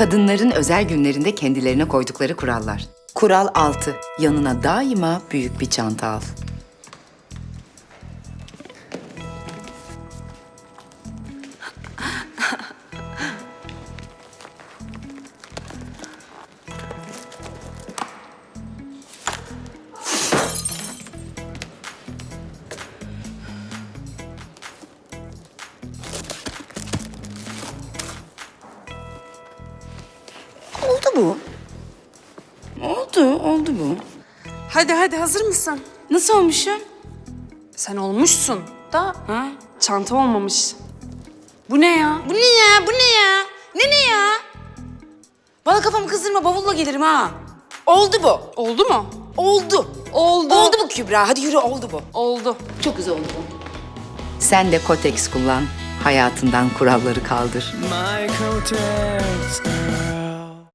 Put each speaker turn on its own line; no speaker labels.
Kadınların özel günlerinde kendilerine koydukları kurallar. Kural 6. Yanına daima büyük bir çanta al. Oldu bu. Oldu bu.
Hadi hazır mısın?
Nasıl olmuşum?
Sen olmuşsun da
Ha?
çanta olmamış. Bu ne ya?
Bu ne ya? Bu ne ya? Ne ya? Bana kafamı kızdırma, bavulla gelirim ha. Oldu bu.
Oldu mu?
Oldu.
Oldu.
Oldu bu Kübra. Hadi yürü, oldu bu.
Oldu.
Çok güzel oldu bu. Sen de Kotex kullan. Hayatından kuralları kaldır.
My Kotex.